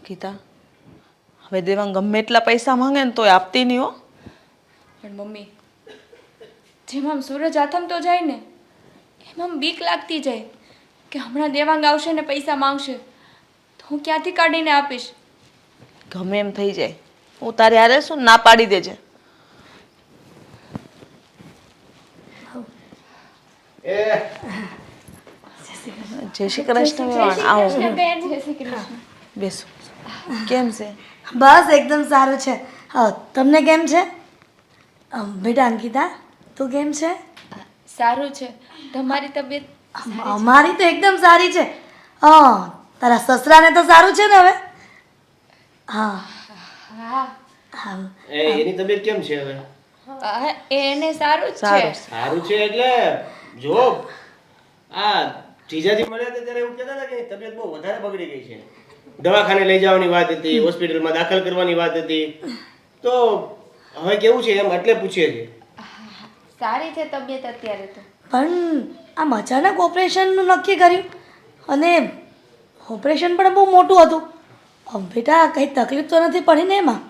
અંકિતા, હવે દેવાંગ ગમે એટલા પૈસા માંગે ને તોય આપતી નહીં હો. પણ મમ્મી, જેમ આમ સૂરજ આથમતો જાય ને એમ આમ બીક લાગતી જાય કે હમણાં દેવાંગ આવશે ને પૈસા માંગશે તો હું ક્યાંથી કાઢીને આપીશ. ગમે એમ થઈ જાય, હું તારે હારે શું ના પાડી દેજે. જય શ્રી કૃષ્ણ વેવાણ, આવો બેસો. કેમ છે? બસ એકદમ સારું છે. હા, તમને કેમ છે? બેટા અંકિતા, તું કેમ છે? સારું છે. તમારી તબિયત? અમારી તો એકદમ સારી છે. હા, તારા સસરાને તો સારું છે ને હવે? હા હા, હા. એની તબિયત કેમ છે હવે? એને સારું જ સારું. છે. સારું છે એટલે જો આ જીજાજી મળ્યા હતા ત્યારે એવું કહેતા હતા કે એની તબિયત બહુ વધારે બગડી ગઈ છે. દવાખાને લઈ જવાની વાત હતી, હોસ્પિટલમાં દાખલ કરવાની વાત હતી. તો હવે કેવું છે એમ એટલે પૂછીએ છીએ. સારી છે તબિયત અત્યારે તો. પણ આમ અચાનક ઓપરેશનનું નક્કી કર્યું અને ઓપરેશન પણ બહુ મોટું હતું. બેટા કંઈ તકલીફ તો નથી પડી ને એમાં?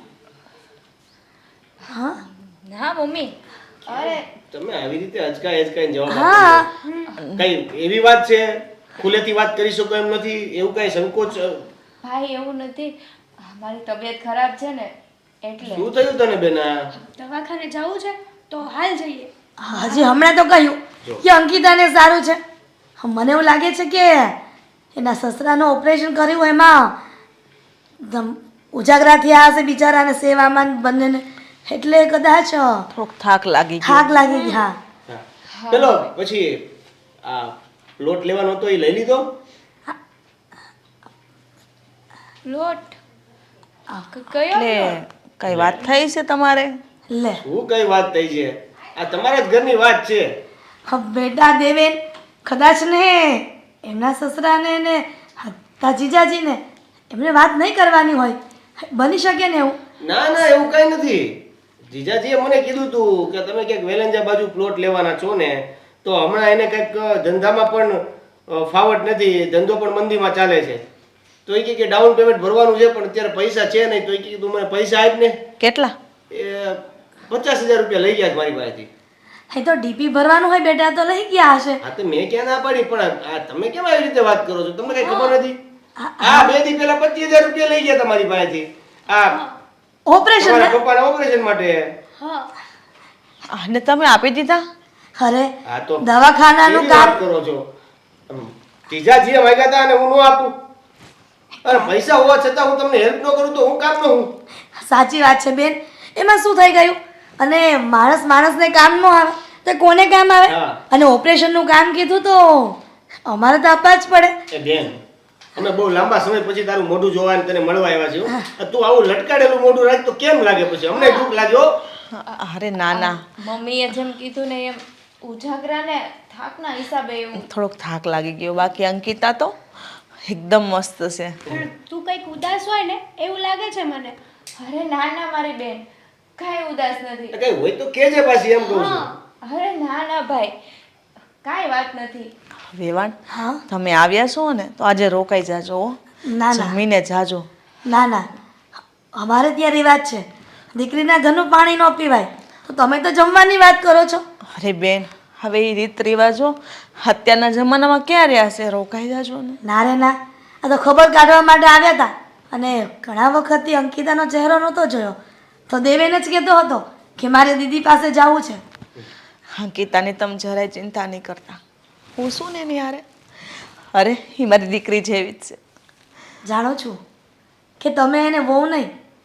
હા ના મમ્મી, અરે તમે આવી રીતે અચકાઈને જવાબ હા. આપો છો. કઈ એવી વાત છે ખુલેથી વાત કરી શકો એમ નથી, એવું કઈ સંકોચ? ભાઈ એવું નથી, મારી તબિયત ખરાબ છે ને એટલે. શું થયું તને બેના? દવાખાને જવું છે તો હાલ જઈએ. હજી હમણાં તો કહ્યું કે અંકિતાને સારું છે. મને એવું લાગે છે કે એના સસરાનું ઓપરેશન કર્યું એમાં ઉજાગરા થયા હશે બિચારાને સેવામાં બંનેને, એટલે કદાચ થોડોક થાક લાગી ગયો. થાક લાગી ગઈ. હા હા. પેલો પછી આ પ્લોટ લેવાનો હતો એ લઈ લીધો? લોટ કયો એટલે કઈ વાત થઈ છે તમારે? લે શું કઈ વાત થઈ છે? આ તમારા જ ઘરની વાત છે. બેટા દેવેન, કદાચ ને એમના સસરાને ને તા જીજાજીને એમને વાત નહીં કરવાની હોય, બની શકે ને એવું. ના ના એવું કઈ નથી. જીજાજીએ મને કીધું તું કે તમે ક્યાંક વેલંજા બાજુ પ્લોટ લેવાના છો ને, તો હમણાં એને કંઈક ધંધામાં પણ ફાવટ નથી, ધંધો પણ મંદીમાં ચાલે છે. તો એ કે ડાઉન પેમેન્ટ ભરવાનું છે પણ અત્યારે પૈસા છે નહીં. તો એ કે તું મને પૈસા આપ ને. કેટલા? એ 50,000 રૂપિયા લઈ ગયા છે મારી પાસેથી. એ તો ડીપી ભરવાનું હોય બેટા, તો લઈ ગયા હશે. હા તો મેં ક્યાં ના પાડી, પણ આ તમે કેમ આવી રીતે વાત કરો છો? તમને કઈ ખબર નથી? આ 2 દી પહેલા 25,000 રૂપિયા લઈ ગયા તમારી પાસેથી. આ ઓપરેશન તમારા પપ્પાના ઓપરેશન માટે. હા, અને તમે આપી દીધા? અરે હા તો દવાખાનાનું કેવી વાત કામ. કરો છો? જીજાજીએ માંગ્યા હતા અને હું ન આપું? અરે પૈસા હોવા છતાં હું તમને હેલ્પ ન કરું તો હું કામ ન હું? સાચી વાત છે બેન, એમાં શું થઈ ગયું? અને માણસને કામ ન આવે તો કોને કામ આવે? હા. અને ઓપરેશનનું કામ કીધું તો અમારે તો આપવા જ પડે. એ બેન, અમે બહુ લાંબા સમય પછી તારું મોઢું જોવા અને તને મળવા આવ્યા છીએ હો. તું આવું લટકાડેલું મોઢું રાખ તો કેમ લાગે પછી? અમને દુઃખ લાગ્યો. અરે ના ના, મમ્મીએ જેમ કીધું ને એમ ઉજાગરા ને થાકના હિસાબે એવું. થોડોક થાક લાગી ગયો. બાકી અંકિતા તો એકદમ મસ્ત છે. પણ તું કંઈક ઉદાસ હોય ને એવું લાગે છે મને. અરે ના ના મારી બેન, કાંઈ ઉદાસ નથી. કઈ હોય તો કેજે પાછી, એમ કહું છું. અરે ના ના ભાઈ, કાંઈ વાત નથી. વેવાણ, હા તમે આવ્યા છો ને તો આજે રોકાઈ જાજો હો. ના ના જમીને જાજો. ના ના, અમારે ત્યાં રિવાજ છે દીકરીના ઘરનું પાણી ન પીવાય, તો તમે તો જમવાની વાત કરો છો. અરે બેન, હવે એ રીત રિવાજો અત્યારના જમાનામાં ક્યાં રહ્યા છે? રોકાઈ જાજો ને. ના રે ના, આ તો ખબર કાઢવા માટે આવ્યા હતા અને ઘણા વખતથી અંકિતાનો ચહેરો નહોતો જોયો, તો દેવેન જ કહેતો હતો કે મારે દીદી પાસે જવું છે. અંકિતાની તમે જરાય ચિંતા નહીં કરતા. હું શું ને એની હારે? અરે એ મારી દીકરી જેવી જ છે. જાણો છું કે તમે એને વહુ નહીં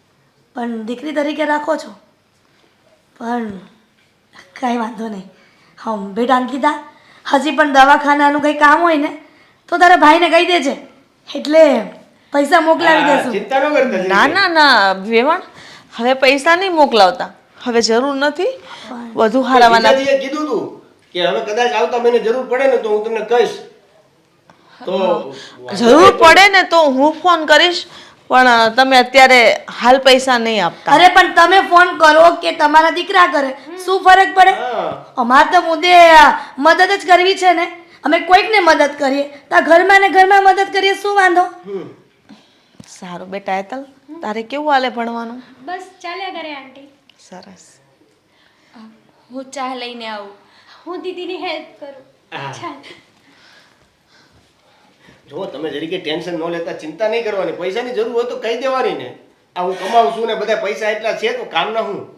પણ દીકરી તરીકે રાખો છો, પણ કાંઈ વાંધો નહીં. હા બેટા અંકિતા, હજી પણ દવાખાનાનું કંઈ કામ હોય ને તો તારા ભાઈને કહી દેજે, એટલે પૈસા મોકલાવી હા, દેશું. ચિંતા ન કરતા ના ના ના વેવાણ, હવે પૈસા નહીં મોકલાવતા, હવે જરૂર નથી. વધુ હારાવાના. જીજાજીએ કીધું તું કે હવે કદાચ આવતા મહિને જરૂર પડે ને તો હું તમને કહીશ. તો જરૂર પડે ને તો હું ફોન કરીશ, પણ તમે અત્યારે હાલ પૈસા નહીં આપતા. અરે પણ તમે ફોન કરો કે તમારા દીકરા કરે, શું ફરક પડે? હા. અમારે તો મુદ્દે મદદ જ કરવી છે ને, અમે કોઈકને મદદ કરીએ તો ઘરમાં ને ઘરમાં મદદ કરીએ, શું વાંધો? સારું બેટા હેતલ, તારે કેવું હાલે ભણવાનું? બસ ચાલ્યા કરે આંટી. સરસ. હું ચા લઈને આવું. હું દીદીની હેલ્પ કરું. હા. ચાલ. જો તમે જરીકે ટેન્શન ન લેતા, ચિંતા નહીં કરવાની. પૈસાની જરૂર હોય તો કહી દેવાની ને. આ હું કમાવું છું ને બધા પૈસા એટલા છે તો કામના હું.